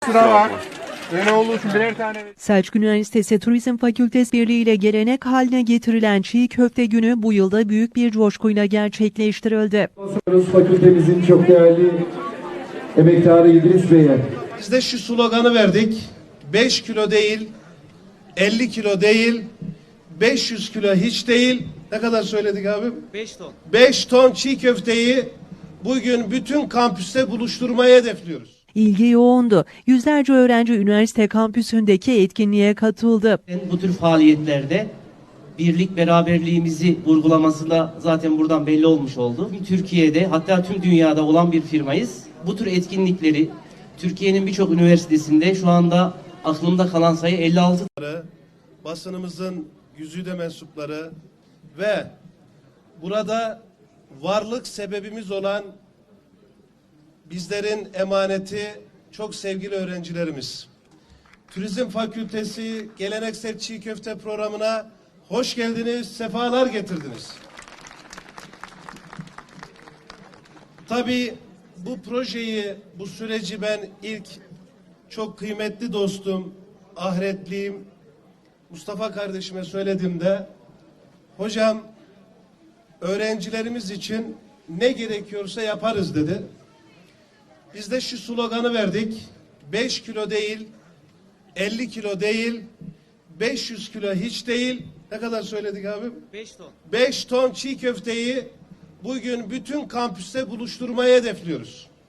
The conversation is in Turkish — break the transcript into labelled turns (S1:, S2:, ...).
S1: Sıra var. Öyle olduğu için birer tane.
S2: Selçuk Üniversitesi Turizm Fakültesi Birliği ile gelenek haline getirilen çiğ köfte günü bu yılda büyük bir coşkuyla gerçekleştirildi.
S3: Fakültemizin çok değerli emektarı İdris Bey'e.
S4: Biz de şu sloganı verdik. 5 kilo değil, 50 kilo değil, 500 kilo hiç değil. Ne kadar söyledik abim?
S5: 5 ton.
S4: 5 ton çiğ köfteyi bugün bütün kampüste buluşturmayı hedefliyoruz.
S2: İlgi yoğundu. Yüzlerce öğrenci üniversite kampüsündeki etkinliğe katıldı.
S5: Bu tür faaliyetlerde birlik beraberliğimizi vurgulaması da zaten buradan belli olmuş oldu. Tüm Türkiye'de hatta tüm dünyada olan bir firmayız. Bu tür etkinlikleri Türkiye'nin birçok üniversitesinde şu anda aklımda kalan sayı 56.
S4: Basınımızın güzide mensupları ve burada varlık sebebimiz olan bizlerin emaneti çok sevgili öğrencilerimiz. Turizm Fakültesi Geleneksel Çiğ Köfte programına hoş geldiniz, sefalar getirdiniz. Tabii bu projeyi, bu süreci ben ilk çok kıymetli dostum, ahiretliyim Mustafa kardeşime söylediğimde, hocam öğrencilerimiz için ne gerekiyorsa yaparız dedi. Biz de şu sloganı verdik. 5 kilo değil, 50 kilo değil, 500 kilo hiç değil. Ne kadar söyledik abim?
S5: 5 ton.
S4: 5 ton çiğ köfteyi bugün bütün kampüste buluşturmayı hedefliyoruz.